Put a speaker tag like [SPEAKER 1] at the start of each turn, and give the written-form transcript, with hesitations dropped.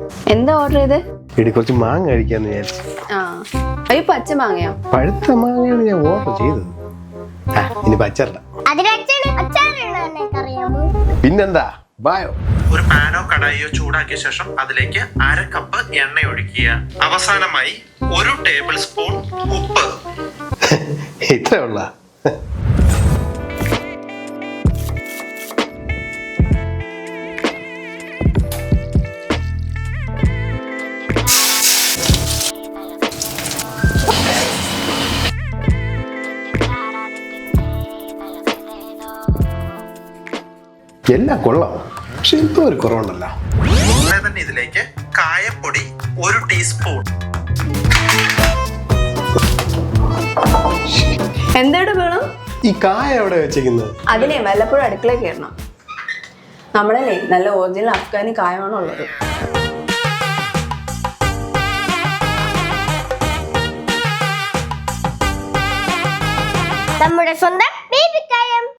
[SPEAKER 1] എന്താ ഓർഡർ ചെയ്ത്?
[SPEAKER 2] എടി കുറച്ച് മാങ്ങ കഴിക്കാന്ന് വിചാരിച്ചു.
[SPEAKER 1] അയ്യോ പച്ച മാങ്ങയോ?
[SPEAKER 2] പഴുത്ത മാങ്ങയാണ് ഞാൻ ഓർഡർ ചെയ്തത്. ഇനി പച്ചല്ല. പിന്നെന്താ ബായോ.
[SPEAKER 3] ഒരു പാനോ കടായിയോ ചൂടാക്കിയ ശേഷം അതിലേക്ക് 1/2 കപ്പ് എണ്ണ ഒഴിക്കുക. അവസാനമായി 1 ടേബിൾ സ്പൂൺ ഉപ്പ്.
[SPEAKER 2] ഇത്രേ ഉള്ള. എല്ലാം കൊള്ളാം, പക്ഷെ എന്തോ ഒരു കുറവുണ്ടല്ലോ.
[SPEAKER 3] അതുപോലെ തന്നെ ഇതിലേക്ക് കായപ്പൊടി 1 ടീസ്പൂൺ.
[SPEAKER 1] എന്തായിട്ട് വേണം?
[SPEAKER 2] ഈ കായ എവിടെ വെച്ചേക്കുന്നത്?
[SPEAKER 1] അതിനെ വല്ലപ്പോഴും അടുക്കളയിൽ കയറണം. നമ്മളല്ലേ നല്ല ഒറിജിനൽ അഫ്ഗാനി കായമാണ് ഉള്ളത്.
[SPEAKER 4] നമ്മുടെ സ്വന്തം